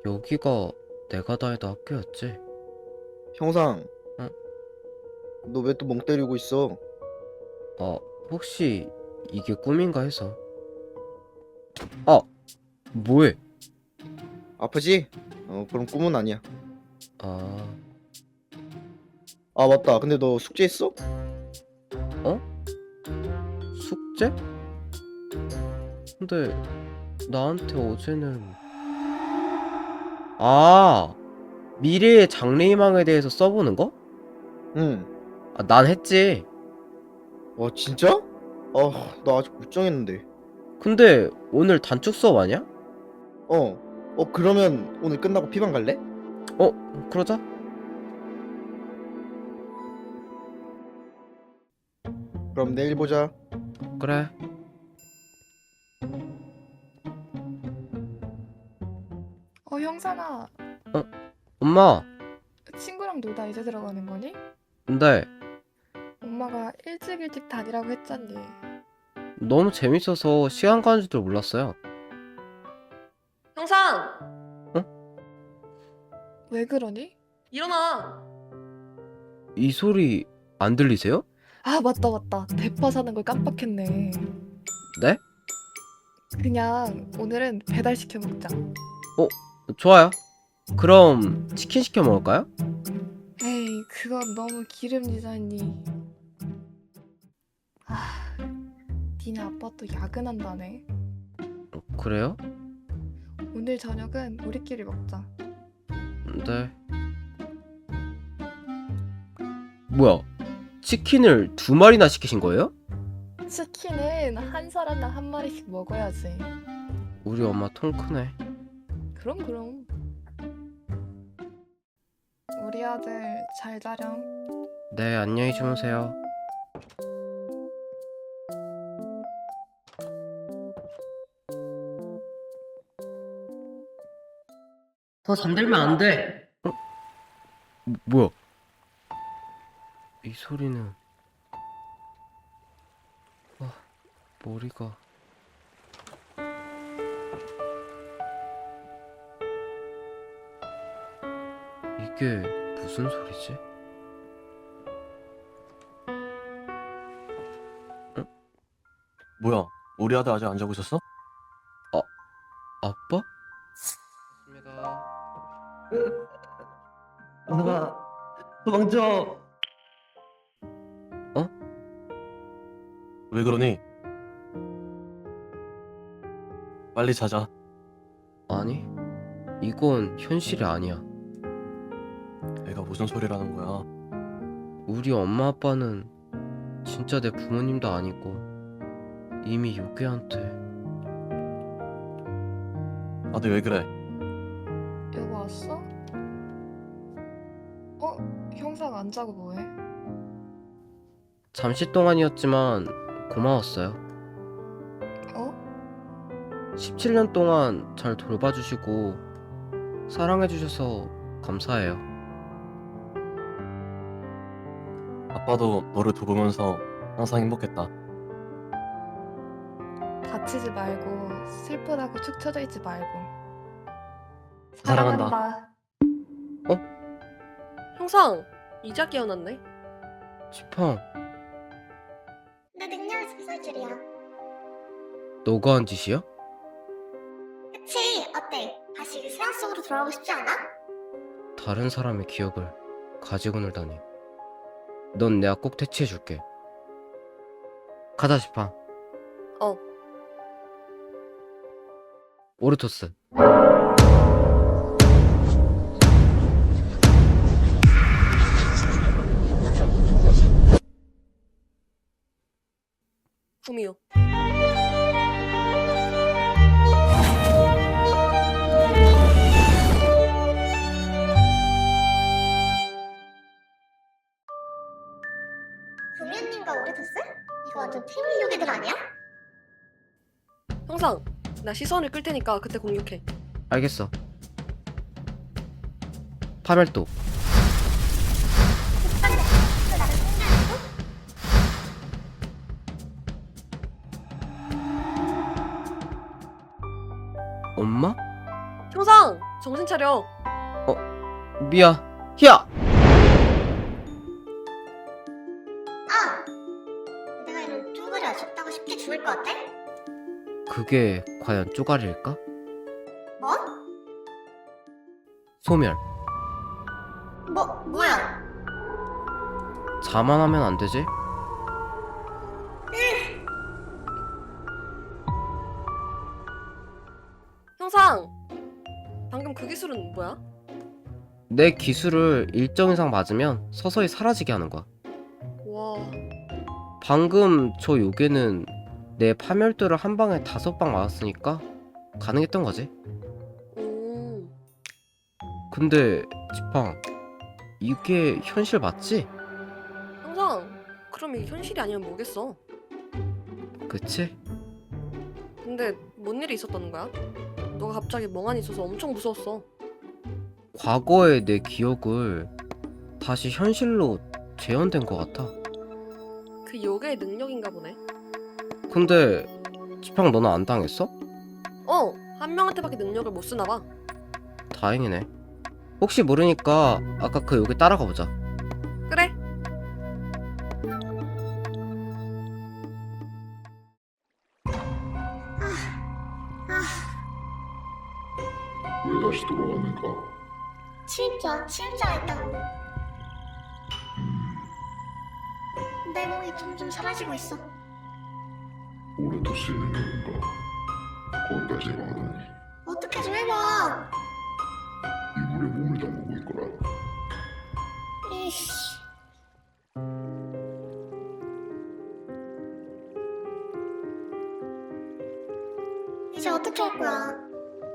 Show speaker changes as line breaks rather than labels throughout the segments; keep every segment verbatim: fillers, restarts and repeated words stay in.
여기가 내가 다니던 학교였지?
형상,
응?
너 왜 또 멍 때리고 있어?
아, 혹시 이게 꿈인가 해서. 아, 뭐해?
아프지? 어, 그럼 꿈은 아니야.
아,
아, 맞다. 근데 너 숙제 있어?
어? 숙제? 근데 나한테 어제는 아, 미래의 장래희망에 대해서 써보는 거?
응.
아, 난 했지.
와, 진짜? 아, 나 아직 못 정했는데.
근데 오늘 단축 수업 아니야?
어. 어, 그러면 오늘 끝나고 피방 갈래?
어, 그러자.
그럼 내일 보자.
그래.
어, 형사나,
어, 엄마.
친구랑 놀다 이제 들어가는 거니?
근데
엄마가 일찍 일찍 다니라고 했잖니.
너무 재밌어서 시간 가는 줄도 몰랐어요.
형상!
왜 그러니?
일어나!
이 소리 안 들리세요?
아, 맞다, 맞다. 대파 사는 걸 깜빡했네.
네?
그냥 오늘은 배달시켜 먹자.
어, 좋아요. 그럼 치킨 시켜 먹을까요?
에이, 그건 너무 기름지잖니. 아, 니네 아빠 또 야근한다네.
어, 그래요?
오늘 저녁은 우리끼리 먹자.
네. 뭐야? 치킨을 두 마리나 시키신 거예요?
치킨은 한 사람당 한 마리씩 먹어야지.
우리 엄마 통 크네.
그럼, 그럼. 우리 아들 잘 자렴.
네, 안녕히 주무세요. 더 잠들면 안 돼. 어? 뭐- 뭐야? 이 소리는 아, 머리가 이게 무슨 소리지?
뭐야? 우리 아들 아직 안 자고 있었어?
아빠? 입니다.
은하가 도망쳐.
어?
왜 그러니? 빨리 자자.
아니, 이건 현실이 아니야.
애가 무슨 소리라는 거야?
우리 엄마 아빠는 진짜 내 부모님도 아니고 이미 요괴한테.
아들 왜 그래?
여보 왔어? 어? 형사가 안 자고 뭐해?
잠시 동안이었지만 고마웠어요.
어?
십칠 년 동안 잘 돌봐주시고 사랑해주셔서 감사해요.
아빠도 너를 돌보면서 항상 행복했다.
다치지 말고 슬프다고 축 처져 있지 말고.
사랑한다.
형상! 이제 깨어났네?
지팡,
내 능력을 습살 줄이야.
너가 한 짓이야?
그치? 어때? 다시 그 세상 속으로 돌아가고 싶지 않아?
다른 사람의 기억을 가지고 놀다니. 넌 내가 꼭 퇴치해줄게. 가자, 지팡.
어.
오르토스.
구미호.
구미호님과 오리토스? 이거 완전 태블 요괴들 아니야?
형상! 나 시선을 끌 테니까 그때 공격해.
알겠어. 파멸도.
오빠는 또 나를 생각하고?
엄마?
형상! 형상! 정신 차려.
미야, 희야!
아! 내가 이런 쪼가리 아쉽다고 쉽게 죽을 것 같아?
그게 과연 쪼가리일까?
뭐?
소멸.
뭐, 뭐야?
자만하면 안 되지?
형상! 방금 그 기술은 뭐야?
내 기술을 일정 이상 맞으면 서서히 사라지게 하는 거야.
와...
방금 저 요괴는 내 파멸도를 한 방에 다섯 방 맞았으니까 가능했던 거지.
오...
근데 지팡, 이게 현실 맞지?
형상! 그럼 이게 현실이 아니면 뭐겠어?
그치?
근데 뭔 일이 있었다는 거야? 너가 갑자기 멍하니 있어서 엄청 무서웠어.
과거의 내 기억을 다시 현실로 재현된 것 같아.
그 요괴의 능력인가 보네.
근데 지팡 너는 안 당했어?
어! 한 명한테밖에 능력을 못 쓰나 봐.
다행이네. 혹시 모르니까 아까 그 요괴 따라가 보자.
그래?
왜 다시 돌아왔는가?
침입자, 침입자가 있다고. 내 몸이 점점 사라지고 있어.
오르토스의 능력인가? 거기까지 해봐하다니.
어떻게 좀 해봐.
이 물에 몸을 담그고 있거라.
이씨. 이제 어떻게 할 거야?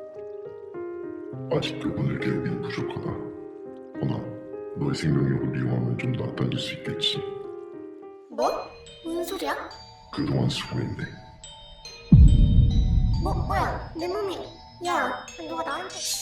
아직 그분을 깨우기는 부족하다. 허나 너의 생명력을 이용하면 좀 낫다질 수 있겠지.
뭐? 무슨 소리야?
그동안 수고했네.
뭐, 뭐야? 내 몸이. 야, 누가 나한테.